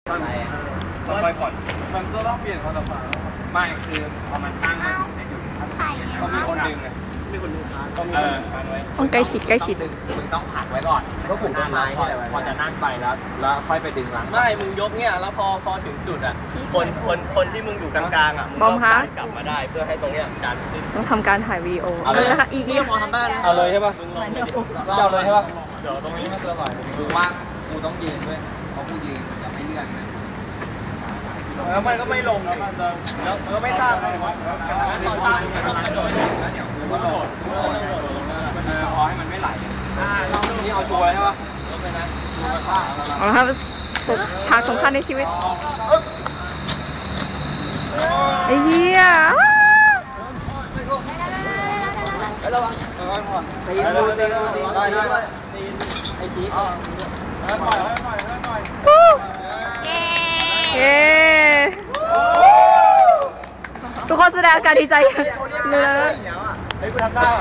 เราไปก่อนมันก็ต้องเปลี่ยนความสัมพันธ์ไม่คือพอมันตั้งในจุดก็มีคนดึงไงมีคนดึงก็มีการไว้ต้องใกล้ชิดมึงต้องผลักไว้ก่อนก็ผูกต้นไม้พอจะนั่งไปแล้วค่อยไปดึงหลังไม่มึงยกเนี่ยแล้วพอถึงจุดอ่ะคนที่มึงอยู่กลางๆอ่ะมึงต้องกลับมาได้เพื่อให้ตรงเนี้ยจานขึ้นต้องทำการถ่ายวีดีโอเอาเลยนะคะอีกนี่มองทำได้นะเอาเลยใช่ป่ะมึงลองไปเอาเลยใช่ป่ะเดี๋ยวตรงนี้มันจะอร่อยดูว่ากูต้องยืนด้วยเพราะกูยืนมันจะไม่เลื่อนแล้วมันก็ไม่ลงแล้วมันก็ไม่ตั้งเลยตอนตั้งมันต้องกระโดดแล้วเดี๋ยวกูก็โดดพอให้มันไม่ไหลเราตรงนี้เอาชัวร์ใช่ป่ะเอาละครับฉากสำคัญในชีวิตไอ้เหี้ยระวังตีดูได้ไอ้จี๊ดปล่อยเย้ทุกคนแสดงอาการดีใจเลยเฮ้ยกูทำได้